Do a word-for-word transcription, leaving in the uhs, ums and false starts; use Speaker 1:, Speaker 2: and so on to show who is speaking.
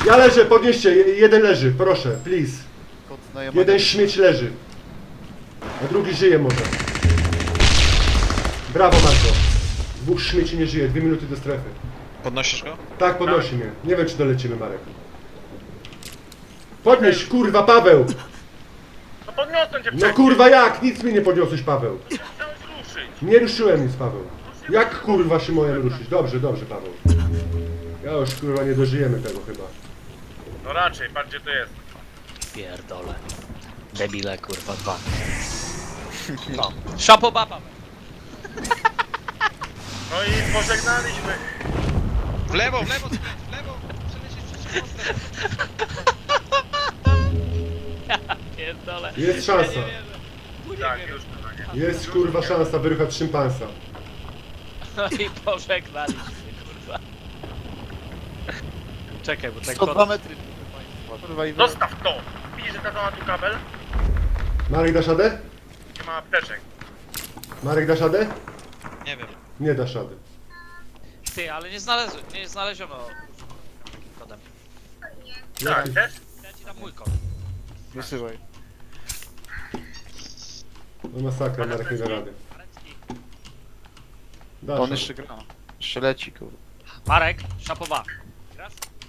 Speaker 1: Ja leżę, podnieście, je- jeden leży, proszę, please.
Speaker 2: Kot najebany.
Speaker 1: Jeden śmieć leży. A drugi żyje może. Brawo Marko. Dwóch śmieci nie żyje, dwie minuty do strefy.
Speaker 3: Podnosisz go?
Speaker 1: Tak, podnosi mnie. Nie wiem czy dolecimy, Marek. Podnieś, kurwa, Paweł!
Speaker 4: No podniosłem cię
Speaker 1: No
Speaker 4: wcześniej.
Speaker 1: kurwa jak? Nic mi nie podniosłeś, Paweł.
Speaker 4: Chciałeś ruszyć.
Speaker 1: Nie ruszyłem nic, Paweł. Jak kurwa się moje ruszyć? Dobrze, dobrze, Paweł. Ja już kurwa nie dożyjemy tego chyba.
Speaker 4: No raczej, patrz gdzie to jest.
Speaker 5: Pierdole. Debile kurwa dwa. No. Szapoba Paweł.
Speaker 4: No i pożegnaliśmy.
Speaker 3: W lewo, w lewo, skręć, w lewo! Przelecieć przez mostem.
Speaker 5: Pierdole.
Speaker 1: Jest szansa.
Speaker 5: Ja nie wierzę.
Speaker 4: Tak, już chyba nie.
Speaker 1: Jest kurwa szansa wyruchać szympansa.
Speaker 5: No i pożegnaliśmy kurwa. Czekaj, bo tak
Speaker 2: sto dwa
Speaker 5: pod...
Speaker 2: metry. Kurwa i
Speaker 4: Zostaw to. Widzisz, że ta ma tu kabel?
Speaker 1: Marek dasz radę?
Speaker 4: Nie ma apteczek.
Speaker 1: Marek dasz radę?
Speaker 3: Nie wiem.
Speaker 1: Nie dasz rady.
Speaker 5: Ty, ale nie znalezł, nie znaleziono kodem.
Speaker 4: Tak, też?
Speaker 5: Ja ci dam mój kod.
Speaker 2: wysyłaj.
Speaker 1: No masakra, Marek nie da rady.
Speaker 5: Marecki.
Speaker 1: Dasz
Speaker 2: On
Speaker 1: radę.
Speaker 2: jeszcze gra. Jeszcze leci kurwa.
Speaker 5: Marek, szapoba. Raz?